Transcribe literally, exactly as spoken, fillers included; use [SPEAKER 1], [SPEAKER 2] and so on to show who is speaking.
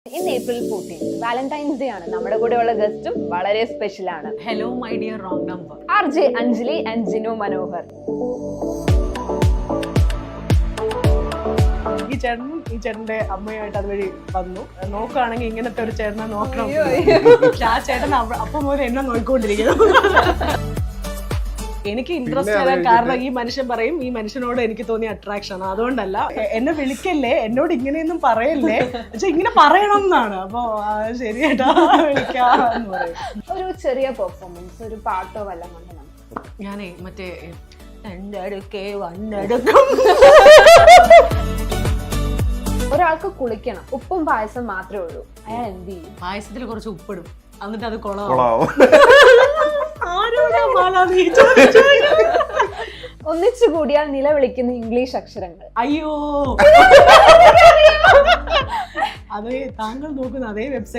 [SPEAKER 1] ഇന്ന് April fourteenth Valentine's day ആണ്. നമ്മുടെ കൂടെയുള്ള ഗസ്റ്റും വളരെ സ്പെഷ്യൽ ആണ്.
[SPEAKER 2] Hello my dear wrong number
[SPEAKER 1] R J Anjali and Jinu Manohar.
[SPEAKER 2] ഈ ചേട്ടനും ഈ ചേട്ടന്റെ അമ്മയായിട്ട് അതുവഴി വന്നു. നോക്കുകയാണെങ്കിൽ ഇങ്ങനത്തെ ഒരു ചേട്ടനെ നോക്കണം. ആ ചേട്ടൻ അപ്പം മുതൽ എന്നെ നോക്കിക്കൊണ്ടിരിക്കുന്നു. എനിക്ക് ഇൻട്രസ്റ്റ് വരാൻ കാരണം ഈ മനുഷ്യൻ പറയും ഈ മനുഷ്യനോട് എനിക്ക് തോന്നിയ അട്രാക്ഷൻ ആണ്. അതുകൊണ്ടല്ല എന്നെ വിളിക്കല്ലേ, എന്നോട് ഇങ്ങനെയൊന്നും പറയല്ലേ, പക്ഷെ ഇങ്ങനെ പറയണം എന്നാണ്. അപ്പൊ ശരിയേട്ടാ വിളിക്കാന്ന് പറയും.
[SPEAKER 1] ഒരു ചെറിയ പെർഫോമൻസ്, ഒരു പാട്ടോ വല്ലതും കൊണ്ട്
[SPEAKER 2] ഞാനേ മറ്റേ എന്റെ അടുക്കേ വന്നെടുക്കും.
[SPEAKER 1] ഒരാൾക്ക് കുളിക്കണം, ഉപ്പും പായസം മാത്രമേ ഉള്ളൂ, അയാൾ എന്ത് ചെയ്യും?
[SPEAKER 2] പായസത്തിൽ കുറച്ച് ഉപ്പിടും, എന്നിട്ട് അത് കൊളാവും.
[SPEAKER 1] ഒന്നിച്ചു കൂടിയാൽ നിലവിളിക്കുന്ന ഇംഗ്ലീഷ് അക്ഷരങ്ങൾ.
[SPEAKER 2] അയ്യോ, അതേ താങ്കൾ നോക്കുന്ന അതേ വെബ്സൈറ്റ്